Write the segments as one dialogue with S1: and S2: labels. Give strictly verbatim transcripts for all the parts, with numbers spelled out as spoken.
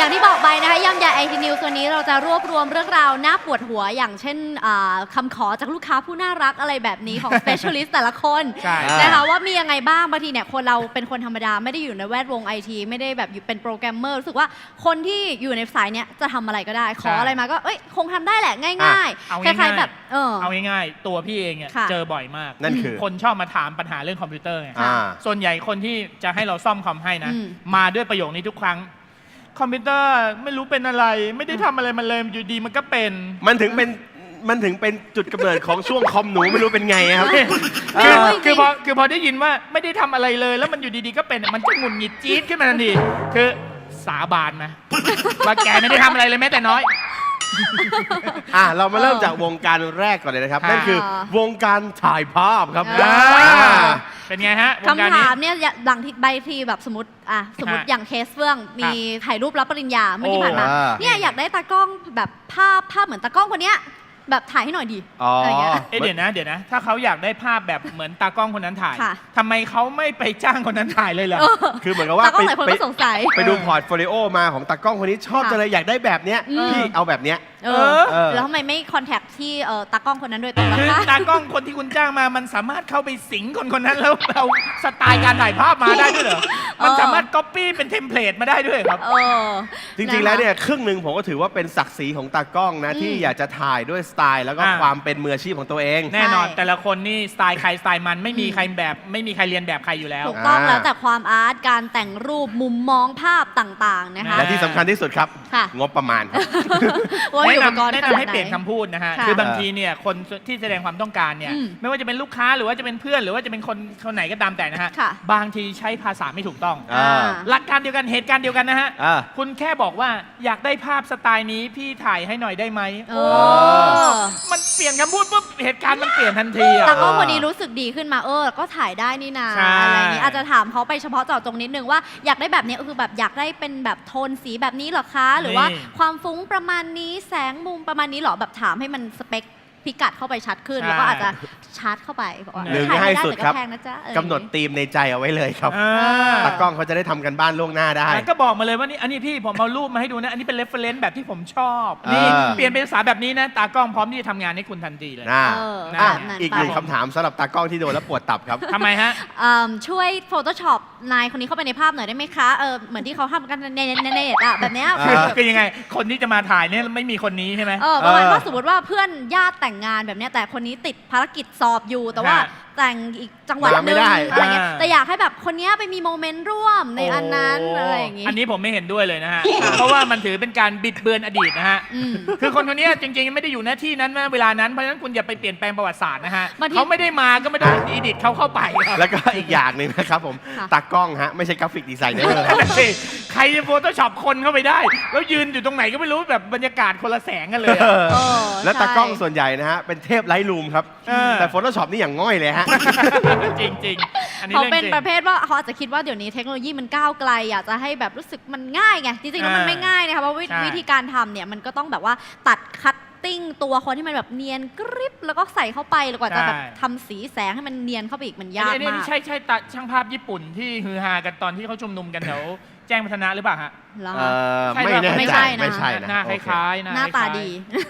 S1: อย่างที่บอกไปนะคะย่ำใหญ่ไอทีนิวส์วันนี้เราจะรวบรวมเรื่องราวน่าปวดหัวอย่างเช่นคำขอจากลูกค้าผู้น่ารักอะไรแบบนี้ของ specialist แต่ละคนนะคะว่ามียังไงบ้างบางทีเนี่ยคนเราเป็นคนธรรมดาไม่ได้อยู่ในแวดวงไอทีไม่ได้แบบอยู่เป็นโปรแกรมเมอร์รู้สึกว่าคนที่อยู่ในสายเนี้ยจะทำอะไรก็ได้ขออะไรมาก็เอ้ยคงทำได้แหละง่ายๆคล้ายๆแบบเออ
S2: เอาง่ายๆตัวพี่เองเนี่ยเจอบ่อยมาก
S3: นั่นคือ
S2: คนชอบมาถามปัญหาเรื่องคอมพิวเตอร์ไงส่วนใหญ่คนที่จะให้เราซ่อมคอมให้นะมาด้วยประโยคนี้ทุกครั้งคอมพิวเตอร์ไม่รู้เป็นอะไรไม่ได้ทำอะไรมันเลยอยู่ดีมันก็เป็น
S3: มันถึงเป็นมันถึงเป็นจุดกำเนิดของช่วงคอมหนูไม่รู้เป็นไงครับ
S2: คือคือพอคือพอได้ยินว่าไม่ได้ทำอะไรเลยแล้วมันอยู่ดีๆก็เป็นมันจะหงุดหงิดจี๊ดขึ้นมาทันทีคือสาบานนะว่าแกไม่ได้ทำอะไรเลยแม้แต่น้อย
S3: อ่ะเรามาเริ่มจากวงการแรกก่อนเลยนะครับนั่นคือวงการถ่ายภาพครับ
S2: เป็นไงฮะ
S1: คำถามเนี่ยหลังที่ใบทีแบบสมมติอ่ะสมมติอย่างเคสเฟื่องมีถ่ายรูปรับปริญญาเมื่อที่ผ่านมาเนี่ยอยากได้ตากล้องแบบภาพภาพเหมือนตากล้องคนเนี้ยแบบถ่ายให้หน่อยดี
S2: อะไรเงี้ยเดี๋ยวนะเดี๋ยวนะถ้าเขาอยากได้ภาพแบบเหมือนตากล้องคนนั้นถ่ายทำไมเขาไม่ไปจ้างคนนั้นถ่ายเลยล่ะ
S3: คือเหมือนกับว่าไปไปดูพอร์ตโฟลิโอมาของตากล้องคนนี้ชอบจังเลยอยากได้แบบเนี้ยพี่เอาแบบเนี้ย
S1: เออแล้วทำไมไม่คอนแทคที่ตากล้องคนนั้นโดยตรง
S2: คือตากล้องคนที่คุณจ้างมามันสามารถเข้าไปสิงคนคนนั้นแล้วเอาสไตล์การถ่ายภาพมาได้ด้วยเหรอมันสามารถก๊อปปี้เป็นเทมเพลตมาได้ด้วยครับ
S3: จริงๆแล้วเนี่ยครึ่งหนึ่งผมก็ถือว่าเป็นศักดิ์ศรีของตากล้องนะที่อยากจะถ่ายด้วยสไตล์แล้วก็ความเป็นมืออาชีพของตัวเอง
S2: แน่นอนแต่ละคนนี่สไตล์ใครสไตล์มันไม่มีใครแบบไม่มีใครเรียนแบบใครอยู่แล้ว
S1: ถูกต้องแล้วแต่ความอาร์ตการแต่งรูปมุมมองภาพต่างๆนะคะ
S3: และที่สำคัญที่สุดครับงบประมาณ
S2: แนะนำแนะนำให้เปลี่ยนคำพูดนะฮะคือบางทีเนี่ยคนที่แสดงความต้องการเนี่ยไม่ว่าจะเป็นลูกค้าหรือว่าจะเป็นเพื่อนหรือว่าจะเป็นคนคนไหนก็ตามแต่นะฮะบางทีใช้ภาษาไม่ถูกต้องหลักการเดียวกันเหตุการณ์เดียวกันนะฮะคุณแค่บอกว่าอยากได้ภาพสไตล์นี้พี่ถ่ายให้หน่อยได้ไหมมันเปลี่ยนคำพูดปุ๊บเหตุการณ์มันเปลี่ยนทันที
S1: แต่ก็วันนี้รู้สึกดีขึ้นมาเออก็ถ่ายได้นี่นาอะไรนี้อาจจะถามเขาไปเฉพาะเจาะจงนิดนึงว่าอยากได้แบบนี้คือแบบอยากได้เป็นแบบโทนสีแบบนี้หรอคะหรือว่าความฟุ้งประมาณนี้แสงมุมประมาณนี้หรอแบบถามให้มันสเปคพิกัดเข้าไปชัดขึ้นแล้วก็อาจจะชาร์จเข้าไป
S3: หนึ่งให้สุดครับกำหนดธีมในใจเอาไว้เลยครับตากล้องเขาจะได้ทำกันบ้านล่วงหน้าได้
S2: ก็บอกมาเลยว่านี่อันนี้พี่ผมเอารูปมาให้ดูนะอันนี้เป็นเรฟเฟรนซ์แบบที่ผมชอบนี่เปลี่ยนเป็นภาษาแบบนี้นะตากล้องพร้อมที่จะทำงานให้คุณทันทีเลย
S3: อีกหนึ่งคำถามสำหรับตากล้องที่โดนแล้วปวดตับครับ
S2: ทำไมฮะ
S1: ช่วย Photoshop นายคนนี้เข้าไปในภาพหน่อยได้ไหมคะเออเหมือนที่เขาทำกันในในเน็ตอะแบบนี้
S2: คือยังไงคนที่จะมาถ่ายเนี่ยไม่มีคนนี้ใช่ไหม
S1: เออประมาณว่าสมมติว่าเพื่อนญาติแต่งงานแบบนี้แต่คนนี้ติดภารกิจสอบอยู่แต่ว่าแต่งอีกจังหวัดนึงอะไรเงี้ยแต่อยากให้แบบคนนี้ไปมีโมเมนต์ร่วมในอันนั้นอะไรอย่างงี้
S2: อันนี้ผมไม่เห็นด้วยเลยนะฮะเพราะว่ามันถือเป็นการบิดเบือนอดีตนะฮะคือคนคนนี้จริงๆไม่ได้อยู่หน้าที่นั้นเวลานั้นเพราะฉะนั้นคุณอย่าไปเปลี่ยนแปลงประวัติศาสตร์นะฮะเขาไม่ได้มาก็ไม่ต้องอีดิทเขาเข้าไป
S3: แล้วก็อีกอย่างหนึ่งนะครับผมตากล้องฮะไม่ใช่กราฟิกดีไซเนอร์
S2: ใครจะโฟโต้ช็อปคนเข้าไปได้แล้วยืนอยู่ตรงไหนก็ไม่รู้แบบบรรยากาศคนละแสงกันเลย
S3: แล้วตากล้องส่วนใหญ่นะฮะเป็นเทพไลท์รูมครับแต่โฟโต้ช็อปนี่อย่างง่อยเลยฮะ
S2: จริงๆ
S1: เขาเป็นประเภทว่าเขาอาจจะคิดว่าเดี๋ยวนี้เทคโนโลยีมันก้าวไกลอยากจะให้แบบรู้สึกมันง่ายไงจริงๆแล้วมันไม่ง่ายนะคะเพราะวิธีการทำเนี่ยมันก็ต้องแบบว่าตัดคัตติ้งตัวคนที่มันแบบเนียนกริบแล้วก็ใส่เข้าไปแล้วกว่าจะแบบทำสีแสงให้มันเนียนเข้าไปอีกมันยากมาก
S2: ใช่ใช่ตัดช่างภาพญี่ปุ่นที่ฮือฮากันตอนที่เขาชุมนุมกันแถวแจ้งพัฒนาหรือเปล่าฮะ
S3: ไม่แน่ใจไม่ใช่
S2: นะหน้าคล้ายๆ
S1: หน้าตาดี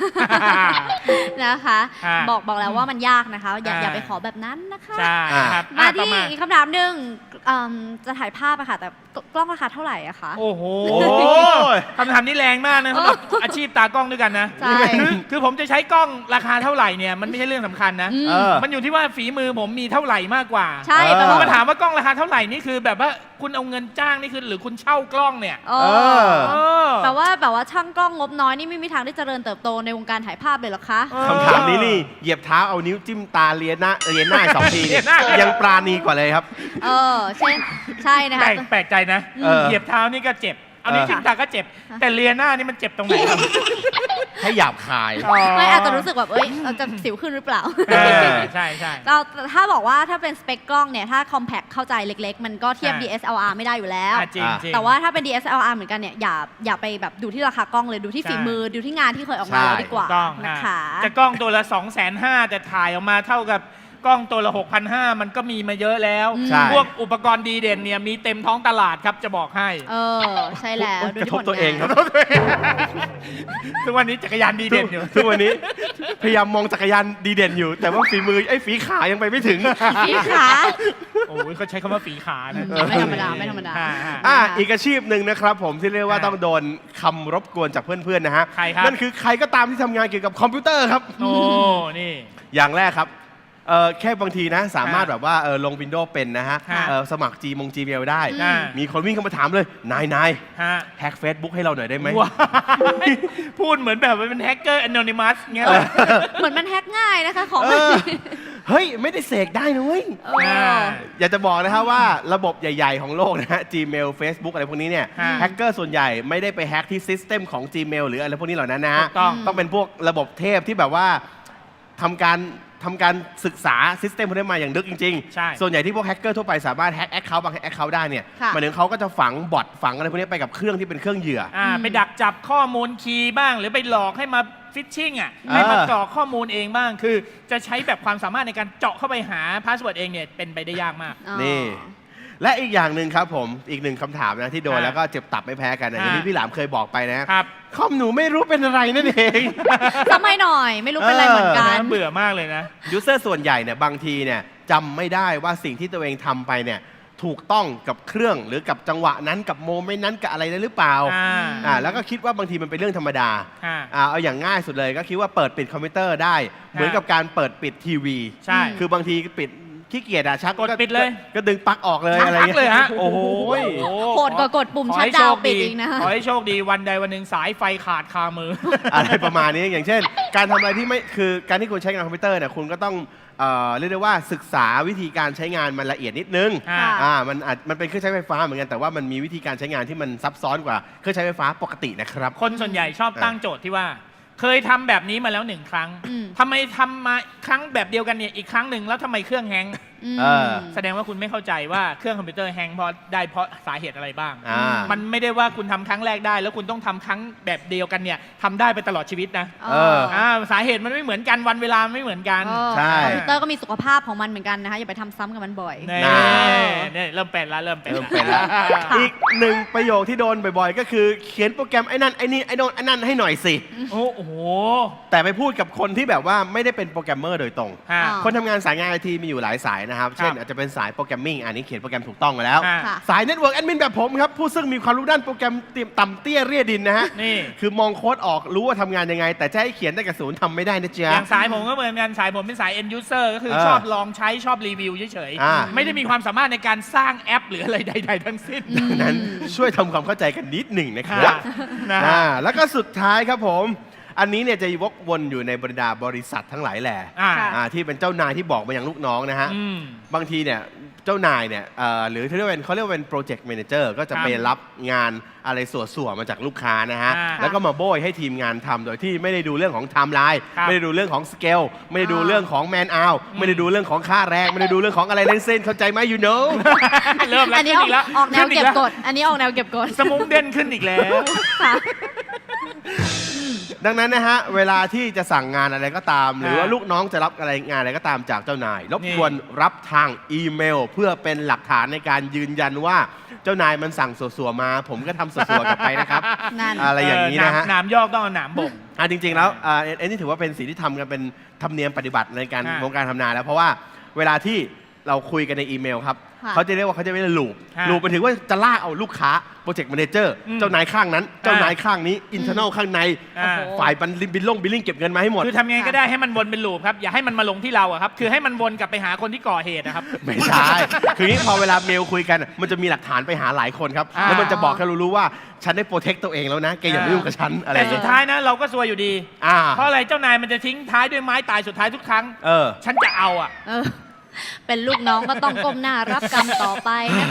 S1: นะคะบอกบอกแล้วว่ามันยากนะคะอย่าอย่าไปขอแบบนั้นนะคะมาที่อีกคำถามหนึ่งจะถ่ายภาพอะค่ะแต่กล้องราคาเท่าไหร่อะคะ
S2: โอ้โหคำถามนี้แรงมากนะสำหรับอาชีพตากล้องด้วยกันนะคือผมจะใช้กล้องราคาเท่าไหร่เนี่ยมันไม่ใช่เรื่องสำคัญนะมันอยู่ที่ว่าฝีมือผมมีเท่าไหร่มากกว่า
S1: ใช่แต่
S2: พอมาถามว่ากล้องราคาเท่าไหร่นี่คือแบบว่าคุณเอาเงินจ้างนี่คือหรือคุณเช่ากล้องเนี่ย
S1: แต่ว่าแบบว่าช่างกล้องงบน้อยนี่ไม่มีทางได้เจริญเติบโตในวงการถ่ายภาพเลยหรอคะ
S3: คำถามนี้นี่เหยียบเท้าเอานิ้วจิ้มตาเลียหน้าเลียหน้าสองทียังปราณีกว่าเลยครับ
S1: เออเช่นใช่นะคะ
S2: แปลกใจนะเหยียบเท้านี่ก็เจ็บเอานิ้วจิ้มตาก็เจ็บแต่เลียหน้านี่มันเจ็บตรงไหนครับ
S3: ให้หยาบคาย
S1: ไม่อาจจะรู้สึกแบบเอ้ยเราจะสิวขึ้นหรือเปล่า
S2: ใช่ใช่
S1: เราถ้าบอกว่าถ้าเป็นสเปคกล้องเนี่ยถ้า compact เข้าใจเล็กๆมันก็เทียบ ดี เอส แอล อาร์ ไม่ได้อยู่แล้วแต่ว่าถ้าเป็น ดี เอส แอล อาร์ เหมือนกันเนี่ยอย่าอย่าไปแบบดูที่ราคากล้องเลยดูที่ฝีมือดูที่งานที่เคยออกมาดีกว่านะคะ
S2: จะกล้องตัวละ สองแสนห้า แต่ถ่ายออกมาเท่ากับกล้องตัวละ หกพันห้าร้อย มันก็มีมาเยอะแล้ว
S3: ใช่
S2: พวกอุปกรณ์ดีเด่นเนี่ยมีเต็มท้องตลาดครับจะบอกให้
S1: เออ ใช่แล้ว
S3: กระทบตัวเองครับ
S2: ทุกวันนี้จักรยานดีเด่นอยู่
S3: ทุกวันนี้พยายามมองจักรยานดีเด่นอยู่ แต่ว่าฝีมือไอ้ฝีขายังไปไม่ถึง
S1: พี่ขา
S2: โอ้ยเขาใช้คำว่าฝีขานะ
S1: ไม่ธรรมดาไม่ธรรมดา
S2: อ่า
S3: อ่าอีกอาชีพหนึ่งนะครับผมที่เรียกว่าต้องโดนคำรบกวนจากเพื่อนๆนะฮะ
S2: ใครครับ
S3: นั่นคือใครก็ตามที่ทำงานเกี่ยวกับคอมพิวเตอร์ครับ
S2: โอ้นี่
S3: อย่างแรกครับเออแค่บางทีนะสามารถ
S2: อ่า
S3: แบบว่าเออลง Windows เป็นนะฮะ
S2: ค่ะ
S3: เออสมัคร G มง Gmail ได้
S2: อ่า
S3: มีคนวิ่งเข้ามาถามเลย นายนาย
S2: ฮะ
S3: แฮก Facebook ให้เราหน่อยได้ไหม
S2: ว้ายพูดเหมือนแบบว่าเป็นแฮกเกอร์ anonymous เงี้ยเลย
S1: เหมือนมันแฮกง่ายนะคะของ
S3: เออเฮ้ย ไม่ได้เสกได้นะเว้ย
S1: เออ
S3: อยากจะบอกนะครับว่าระบบใหญ่ ๆ ของโลกนะฮะ Gmail Facebook อะไรพวกนี้เนี่ย
S2: ฮะ
S3: แฮกเกอร์ส่วนใหญ่ไม่ได้ไปแฮกที่ซิสเต็มของ Gmail หรืออะไรพวกนี้เหล่านั้นนะฮะ
S2: ถูกต้อง
S3: ต้องเป็นพวกระบบเทพที่แบบว่าทำการทำการศึกษาซิสเต็มพวกนี้มาอย่างลึกจริง
S2: ใช่
S3: ๆ ส่วนใหญ่ที่พวกแฮกเกอร์ทั่วไปสามารถแฮกแอคเคาท์บางแอคเคาท์ได้เนี่ย
S1: ค่ะ
S3: หมายถึงเขาก็จะฝังบอทฝังอะไรพวกนี้ไปกับเครื่องที่เป็นเครื่องเหยื่อ
S2: อ่า
S1: อืม
S2: ไปดักจับข้อมูลคีย์บ้าง หรือไปหลอกให้มาฟิชชิ่งอ่ะให้มากรอกข้อมูลเองบ้าง คือจะใช้แบบความสามารถในการเจาะเข้าไปหาพาสเวิร์ดเองเนี่ยเป็นไปได้ยากมาก
S1: อ๋อ
S3: นี่ และอีกอย่างหนึ่งครับผมอีกหนึ่งคำถามนะที่โดน
S2: อ่า
S3: แล้วก็เจ็บตับไม่แพ้กันนะอย่างที่
S2: อ่า
S3: พี่หลามเคยบอกไปนะครับ คอมหนูไม่รู้เป็นอะไรนั่นเอง
S1: สมัยหน่อย ไม่รู้เป็นอะไรเหมือนกัน
S2: น่าเบื่อมากเลยนะ
S3: ยูเซอร์ส่วนใหญ่เนี่ยบางทีเนี่ยจำไม่ได้ว่าสิ่งที่ตัวเองทำไปเนี่ยถูกต้องกับเครื่องหรือกับจังหวะนั้นกับโมเมนต์นั้นกับอะไรได้หรือเปล่า
S2: อ่า
S3: อ่าแล้วก็คิดว่าบางทีมันเป็นเรื่องธรรมดา
S2: อ่า
S3: อ่าเอาอย่างง่ายสุดเลยก็คิดว่าเปิดปิดคอมพิวเตอร์ได้ เหมือนกับการเปิดปิดทีวี
S2: ใช่
S3: คือบางทีปิดขี้เกียจอะชัก
S2: กดปิดเลย
S3: ก็ดึงปลั๊กออกเลย
S2: ชัก
S3: อะไร
S2: ปลั๊กเลยฮะ
S3: โอ้โห
S1: โหดกว่ากดปุ่ม
S2: ขอ
S1: ชัด
S2: ให้
S1: ดา
S2: โช
S1: ว
S2: ค
S1: ปิด
S2: ดี
S1: อีกนะคะ
S2: ขอให้โชคดีวันใดวันหนึ่งสายไฟขาดคามือ
S3: อะไรประมาณนี้อย่างเช่น การทำอะไรที่ไม่คือการที่คุณใช้งานคอมพิวเตอร์เนี่ยคุณก็ต้องเอ่อเรียกได้ว่าศึกษาวิธีการใช้งานมันละเอียดนิดนึง
S2: อ่า
S3: อ่ามันอาจมันเป็นเครื่องใช้ไฟฟ้าเหมือนกันแต่ว่ามันมีวิธีการใช้งานที่มันซับซ้อนกว่าเครื่องใช้ไฟฟ้าปกตินะครับ
S2: คนส่วนใหญ่ชอบตั้งโจทย์ที่ว่า เคยทำแบบนี้มาแล้วหนึ่งครั้ง
S1: อืม
S2: ทำไมทำมาครั้งแบบเดียวกันเนี่ยอีกครั้งหนึ่งแล้วทำไมเครื่องแฮงก์
S1: อืม
S3: เออ
S2: แสดงว่าคุณไม่เข้าใจว่าเครื่องคอมพิวเตอร์แฮงก์เพราะได้เพราะสาเหตุอะไรบ้าง
S3: อ่า
S2: มันไม่ได้ว่าคุณทำครั้งแรกได้ แล้วคุณต้องทำครั้งแบบเดียวกันเนี่ยทำได้ไปตลอดชีวิตนะ
S3: เออ
S2: อ่าสาเหตุมันไม่เหมือนกันวันเวลาไม่เหมือนกัน
S1: เออ
S3: ใช่
S1: คอมพิวเตอร์ก็มีสุขภาพของมันเหมือนกันนะคะ อย่าไปทำซ้ำกับมันบ่อย
S2: นี่
S3: น่า
S2: นี่เริ่มเป็นแล้วเริ่มเป็น
S3: เริ่มเป็นแล้ว อีกหนึ่งประโยคที่โดนบ่อยๆ ก็คือเขียนโปรแกรมไอ้นั่นไอ้นี่ไอ้โน่นไอ้นั่นให้หน่อยสิ
S2: โอ้โห
S3: แต่ไปพูดกับคนที่แบบว่าไม่ได้เป็นโปรแกรมเมอร์โดยตรง
S2: ฮะ
S1: อ๋อ
S3: คนทำงานสายงานไอทีมีอยู่หลายสายนะครับ เช่น
S2: ครับ
S3: อาจจะเป็นสายโปรแกรมมิ่งอันนี้เขียนโปรแกรมถูกต้องมาแล้ว
S2: อ่า
S1: ค่ะ
S3: สายเน็ตเวิร์กแอดมินแบบผมครับ ผู้ซึ่งมีความรู้ด้านโปรแกรมเตรียมต่ำเตี้ยเรียดินนะฮะ
S2: นี่
S3: คือมองโค้ดออกรู้ว่าทำงานยังไง แต่จะให้เขียนได้กับศูนย์ทำไม่ได้นะ
S2: อ
S3: จ๊ะ
S2: ย่างสายผมก็เหมือนกันสายผมเป็นสาย end user ก็คือ
S3: เออ
S2: ชอบลองใช้ชอบรีวิวเฉย
S3: อ่า
S2: ๆ ไม่ได้มีความสามารถในการสร้างแอปหรืออะไรใด ๆ ทั้งสิ้น
S3: ดังนั้นช่วยทำความเข้าใจกันนิดหนึ่งนะค
S2: ค่ะ
S3: รับ
S2: นะ
S3: อ่า
S2: ฮะ
S3: แล้วก็สุดท้ายครับผม อันนี้เนี่ยจะวกวนอยู่ในบรรดาบริษัททั้งหลายแหล่
S2: อ่า
S1: ค่ะ
S3: อ่าที่เป็นเจ้านายที่บอกมาอย่างลูกน้องนะฮะ
S2: อืม
S3: บางทีเนี่ยเจ้านายเนี่ยเอ่อหรือที่เรียกว่าเป็นเขาเรียกว่าเป็นโปรเจกต์แมเนเจอร์ก็จะ
S2: ครับ
S3: ไปรับงานอะไรส่วนๆมาจากลูกค้านะฮะ
S2: อ่า
S3: แล้วก็มาโบยให้ทีมงานทำโดยที่ไม่ได้ดูเรื่องของไทม์ไลน์
S2: ครับ
S3: ไม่ได้ดูเรื่องของสเกลไม่ได้ดู
S1: อ่า
S3: เรื่องของแมนเอาไม่ได้ดูเรื่องของค่าแรงไม่ได้ดูเรื่องของอะไรทั้งสิ้นเข้าใจไหม you know
S2: เริ่มแล้ว
S1: อันนี้
S2: ขึ้น
S1: ออก
S2: อีกแล้ว
S1: ออกแนว
S2: ขึ้
S1: เก็บ
S2: อี
S1: กด อันนี้ออกแนวเก็บกด
S2: สมุงเด่นขึ้นอีกแล้ว
S1: ค่ะ
S3: ดังนั้นนะฮะเวลาที่จะสั่งงานอะไรก็ตาม หรือว่า
S2: อ่า
S3: ลูกน้องจะรับอะไรงานอะไรก็ตามจากเจ้านาย รบกวนรับทางอีเมล เพื่อเป็นหลักฐานในการยืนยันว่าเจ้านายมันสั่งสัวๆมา ผมก็ทำสัวๆกลับไปนะครับ
S1: นั่น
S3: อะไรอย่างนี้นะฮะ
S2: เหนามยอกต้องเอาหนามบ่ง
S3: อ่ะจริงๆแล้วอ่าเอ็นเอ็นนี่ถือว่าเป็นสิ่งที่ทำกันเป็นธรรมเนียมปฏิบัติในการ
S2: อ่า
S3: วงการทำงานแล้ว เพราะว่าเวลาที่เราคุยกันในอีเมลครับ
S1: ค่ะ
S3: เขาจะเรียกว่าเขาจะเรียกว่าลูป
S2: ค่ะ
S3: ลูปมันถือว่าจะลากเอาลูกค้าโปรเจกต์แมเนเจอร์
S2: อืม
S3: เจ้านายข้างนั้น เจ้านายข้างนี้อินเทอร์เนลข้างใน
S2: อ่า
S1: โอ้โห
S3: ฝ่ายบันบินลงบิลลิ่งเก็บเงินมาให้หมด
S2: คือทำยังไงก็ได้ให้มันวนเป็นลูปครับ อย่าให้มันมาลงที่เราอะครับ คือให้มันวนกลับไปหาคนที่ก่อเหตุนะครับ
S3: ไม่ใช่ คืออย่างนี้พอเวลาเมลคุยกัน มันจะมีหลักฐานไปหาหลายคนครับ
S2: อ่า
S3: แล้วมันจะบอกให้เรารู้ว่า ฉันได้โปรเทคตัวเองแล้วนะ แกอย่ามายุ่งกับฉันอะไรอ
S2: แต่
S3: ย่าง
S2: สุ
S3: เงี้
S2: ด
S3: ย
S2: ท้ายนะเราก็ซวยอยู่ดี
S3: อ่า
S2: เพราะอะไรเจ้านายมันจะทิ้งท้ายด้วยไม้ตายสุดท้ายทุกครั้ง
S3: เออ
S2: ฉันจะเอาอะ
S1: เออ เป็นลูกน้องก็ต้องก้มหน้ารับกรรมต่อไปนะคะ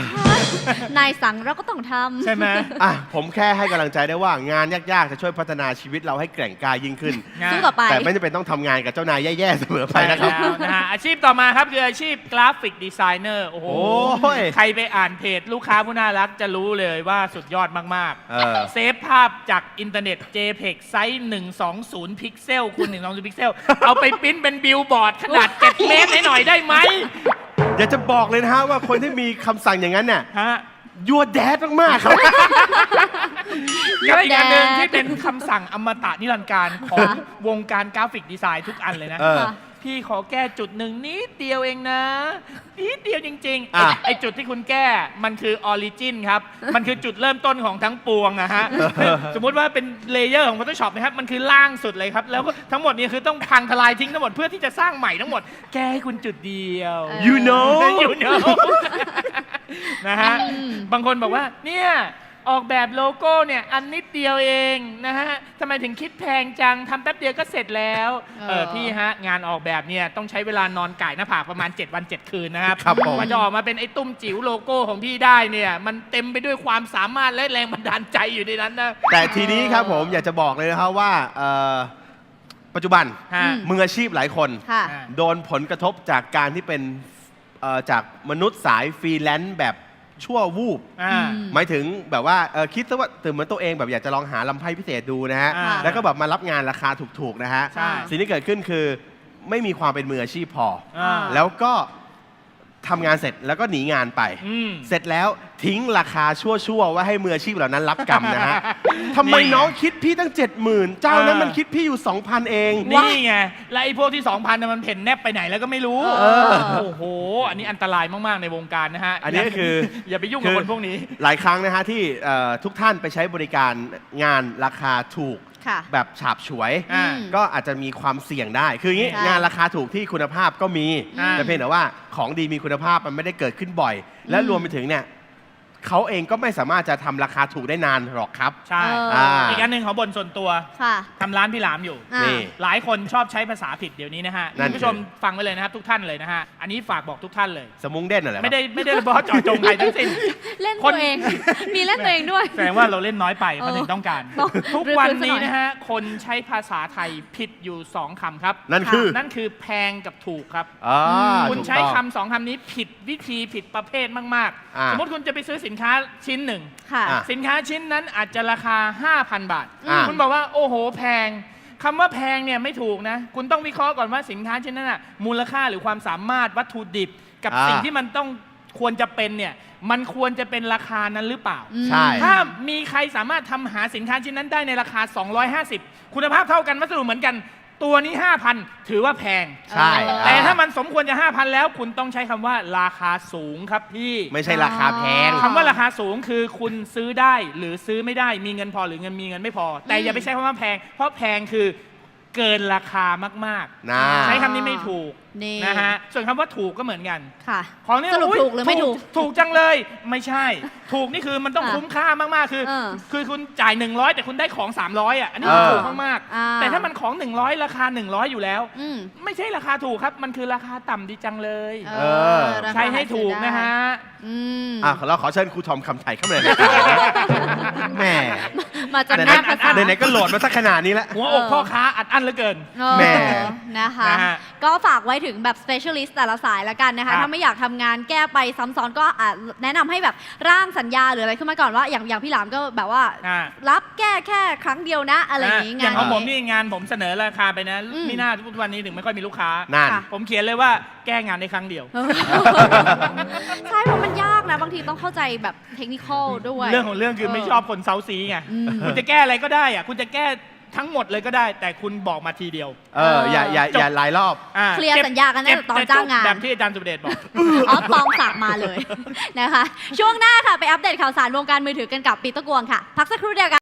S1: นายสั่งเราก็ต้องทำ
S2: ใช่ไหม
S3: อ่ะผมแค่ให้กำลังใจได้ว่างานยากๆจะช่วยพัฒนาชีวิตเราให้แกร่งกล้ายิ่งขึ้น
S1: สู้ต่อไป
S3: แต่ไม่จำเป็นต้องทำงานกับเจ้านายแย่ๆเสมอไปนะครับ
S2: ใช่แล้วนะฮะอาชีพต่อมาครับคืออาชีพกราฟิกดีไซเนอร์โอ้โห
S3: โอ้ย
S2: ใครไปอ่านเพจลูกค้าผู้น่ารักจะรู้เลยว่าสุดยอดมาก
S3: เออ
S2: ๆ เซฟภาพจากอินเทอร์เน็ต เจเพก ไซส์ หนึ่งสองศูนย์ พิกเซลคูณหนึ่งสองศูนย์ พิกเซล เอาไปปริ้นเป็นบิลบอร์ดขนาด เจ็ด เมตรให้หน่อยได้ไหม
S3: อยากจะบอกเลยนะฮะว่าคนที่มีคำสั่งอย่างนั้นเนี่ย
S2: ฮะ
S3: ยัวแดดมากๆครับ
S2: กับอีกอันหนึ่งที่เป็นคำสั่งอมตะนิรันดร์การของวงการกราฟิกดีไซน์ทุกอันเลยนะ
S3: เออ
S2: พี่ขอแก้จุดหนึ่งนิดเดียวเองนะนิดเดียวจริงๆ
S3: อ่ะ
S2: ไอ้ไอจุดที่คุณแก้มันคือออริจินครับ มันคือจุดเริ่มต้นของทั้งปวงอะฮะสมมุติว่าเป็นเลเยอร์ของ Photoshop นะครับมันคือล่างสุดเลยครับ แล้วก็ทั้งหมดนี้คือต้องพังทลายทิ้งทั้งหมดเพื่อที่จะสร้างใหม่ทั้งหมด แก้ให้คุณจุดเดียว
S3: you know
S2: you know นะฮะบางคนบอกว่าเนี่ยออกแบบโลโก้เนี่ยอันนิดเดียวเองนะฮะทำไมถึงคิดแพงจังทำแป๊บเดียวก็เสร็จแล้วเออพี่ฮะงานออกแบบเนี่ยต้องใช้เวลานอนก่ายหน้าผากประมาณ เจ็ด วัน เจ็ด คืนนะครับ
S3: ครับผม
S2: กว่าจะออกมาเป็นไอ้ตุ้มจิ๋วโลโก้ของพี่ได้เนี่ยมันเต็มไปด้วยความสามารถและแรงบันดาลใจอยู่ในนั้นนะ
S3: แต่ทีนี้ครับผมอยากจะบอกเลยนะครับว่าเอ่อปัจจุบัน
S2: ฮะ
S3: มืออาชีพหลายคน
S1: ค่ะ
S3: โดนผลกระทบจากการที่เป็นเอ่อจากมนุษย์สายฟรีแลนซ์แบบชั่ววูบ
S2: อ่า
S3: หมายถึงแบบว่าเอ่อคิดซะว่าตื่นเหมือนตัวเองแบบอยากจะลองหาลำไพ่พิเศษดูนะฮะ
S2: อ่า
S3: แล้วก็แบบมารับงานราคาถูกๆนะฮะ
S2: ใช่
S3: สิ่งที่เกิดขึ้นคือไม่มีความเป็นมืออาชีพพอ
S2: อ่า
S3: แล้วก็ทำงานเสร็จแล้วก็หนีงานไป
S2: อืม
S3: เสร็จแล้วทิ้งราคาชั่วๆว่าให้มืออาชีพเหล่านั้นรับกรรมนะฮะ ทำไมน้องคิดพี่ตั้งเจ็ดหมื่นเจ้านั้นมันคิดพี่อยู่ สองพัน เอง
S2: นี่ไง แล้วไอ้พวกที่ สองพันน่ะมันเพ่นแนบไปไหนแล้วก็ไม่รู้
S3: เออ
S2: โอ้โห อันนี้อันตรายมาก ๆ ในวงการนะฮะ
S3: อันนี้ก็คือ
S2: อย่าไปยุ่งกับคนพวกนี้
S3: หลายครั้งนะฮะที่เอ่อทุกท่านไปใช้บริการงานราคาถูก
S1: ค่ะ
S3: แบบฉาบฉวย
S2: อ่า
S3: ก็อาจจะมีความเสี่ยงได้ คืออย่างนี้
S1: ใช่
S3: งานราคาถูกที่คุณภาพก็มี
S2: อ่า
S3: แต่เพียงแต่ว่าของดีมีคุณภาพมันไม่ได้เกิดขึ้นบ่อย และรวมไปถึงเนี่ยเขาเองก็ไม่สามารถจะทำราคาถูกได้นานหรอกครับ
S2: ใช่
S1: เออ
S2: อีกอันหนึ่งของบนส่วนตัว
S1: ค่ะ
S2: ทำร้านพี่หลามอยู่
S1: อ่า
S3: นี่
S2: หลายคนชอบใช้ภาษาผิดเดี๋ยวนี้นะฮะ
S3: นั่น
S2: คุณผู้ชมฟังไว้เลยนะครับทุกท่านเลยนะฮะ อันนี้ฝากบอกทุกท่านเลย
S3: สมุงเด่นอะไร
S2: ไม่ได้ไม่ได้เฉพาะเจาะจงใครทั้งสิ้น
S1: เล่น
S2: ค
S1: ตั
S2: น
S1: วเอง มีเล่นตัวเองด้วย
S2: แสดงว่าเราเล่นน้อยไปเขาถึงต้องการ
S1: ต้อง
S2: ทุกวันนี้
S1: รื้อๆซะหน่อย
S2: นะฮะ คนใช้ภาษาไทยผิดอยู่สองคำครับ
S3: นั่นคือ
S2: นั่นคือแพงกับถูกครับ
S3: อ่า
S2: คุณ
S3: ถูก
S2: ใช้
S3: ต้อง
S2: คำสองคำนี้ผิดวิธีผิดประเภทมาก
S3: อ่า
S2: ๆ สมมติคุณจะไปซื้อสินค้าชิ้นหนึ่ง
S1: ค่ะ
S3: อ่ะ
S2: สินค้าชิ้นนั้นอาจจะราคา ห้าพัน บาท
S3: อ่า
S2: คุณบอกว่าโอ้โหแพงคำว่าแพงเนี่ยไม่ถูกนะ คุณต้องวิเคราะห์ก่อนว่าสินค้าชิ้นนั้นน่ะมูลค่าหรือความสามารถวัตถุดิบ กับ
S3: อ่า
S2: สิ่งที่มันต้องควรจะเป็นเนี่ยมันควรจะเป็นราคานั้นหรือเปล่า
S3: ใช่
S2: ถ้ามีใครสามารถทำหาสินค้าชิ้นนั้นได้ในราคา สองร้อยห้าสิบ คุณภาพเท่ากันวัสดุเหมือนกัน ตัวนี้ ห้าพัน ถือว่าแพง
S3: ใช่
S1: เออ
S2: แต่
S3: อ่
S2: ถ้ามันสมควรจะ ห้าพัน แล้วคุณต้องใช้คำว่าราคาสูงครับพี่
S3: ไม่ใช่ราคาแพง
S2: คำว่าราคาสูงคือคุณซื้อได้หรือซื้อไม่ได้มีเงินพอหรือเงินมีเงินไม่พอ แต่อย่าไปใช้คำว่าแพง เพราะแพงคือเกินราคามาก
S3: นะ
S2: ๆ ใช้คำนี้ไม่ถูก
S1: นี่
S2: นะฮะส่วนคำว่าถูกก็เหมือนกัน
S1: ค่ะ
S2: ของเนี่ย
S1: สรุป
S2: อุ๊ย
S1: ถูกหรือไม่ถูก
S2: ถูกจังเลยไม่ใช่ ถูกนี่คือมันต้อง
S1: ค่ะ
S2: คุ้มค่ามากๆคือ
S1: เออ
S2: คือคุณจ่ายหนึ่งร้อยแต่คุณได้ของสามร้อยอ่ะอันนี้
S3: เออ
S2: ถูกมาก
S1: อ่า
S2: ๆแต่ถ้ามันของหนึ่งร้อยราคาหนึ่งร้อยอยู่แล้ว
S1: อืม
S2: ไม่ใช่ราคาถูกครับ มันคือราคาต่ำดีจังเลย
S1: เอ
S3: เออ
S1: ราคา
S2: ใช้ให้ถูกนะฮะ
S1: อืม
S3: อ่ะเราขอเชิญครูทอมคำไทยเข้ามาในรายการแหม่
S1: มาจาก
S3: ไห
S1: หน้าภาษา
S3: นๆไหนๆก็โหลดมาสักขนาดนี้แล้ว
S2: หัวอกพ่อค้าอัดอั้นเหลือเกิน
S1: เออ
S3: แหม่
S1: นะคะ
S2: นะฮะ
S1: ก็ฝากไว้ถึงแบบ specialist แต่ละสายละกันนะ
S2: ครั
S1: คะ
S2: บ
S1: ถ้าไม่อยากทำงานแก้ไปซ้ำซ้อนก็อาจแนะนำให้แบบร่างสัญญาหรืออะไรขึ้นมาก่อนว่า อย่างอย่างพี่หลามก็แบบว่า
S2: อ่า
S1: รับแก้แค่ครั้งเดียวนะ อะไรอย่างนี้
S2: นะ
S1: งาน
S2: อย่างของผม
S1: นี้
S2: นี่งานผมเสนอราคาไปนะ
S1: อืม
S2: มีหน้าทุกวันนี้ถึงไม่ค่อยมีลูกค้า
S3: นั่น
S1: ค่ะ
S2: ผมเขียนเลยว่าแก้งานในครั้งเดียว
S1: เออใช่เพราะมันยากนะ บางทีต้องเข้าใจแบบเทคนิคอลด้วย
S2: เรื่องของเรื่องคือไม่ชอบคนเซาซีไง
S1: อืม
S2: คุณจะแก้อะไรก็ได้อะคุณจะแก้ทั้งหมดเลยก็ได้ แต่คุณบอกมาทีเดียว
S3: เอออย่าอย่าอย่าหลายรอบ
S2: อ่า
S1: เคลียร์
S2: จ็บ
S1: สัญญากันตั้งแต่
S2: เจ็บ
S1: ตอนจ้างงาน
S2: แบบที่อาจารย์สุเดชบอก
S1: อ๋อปองฝากมาเลยนะคะ ช่วงหน้าค่ะ ไปอัปเดตข่าวสารวงการมือถือกันกับปีเตอร์กวงค่ะ พักสักครู่เดียวกัน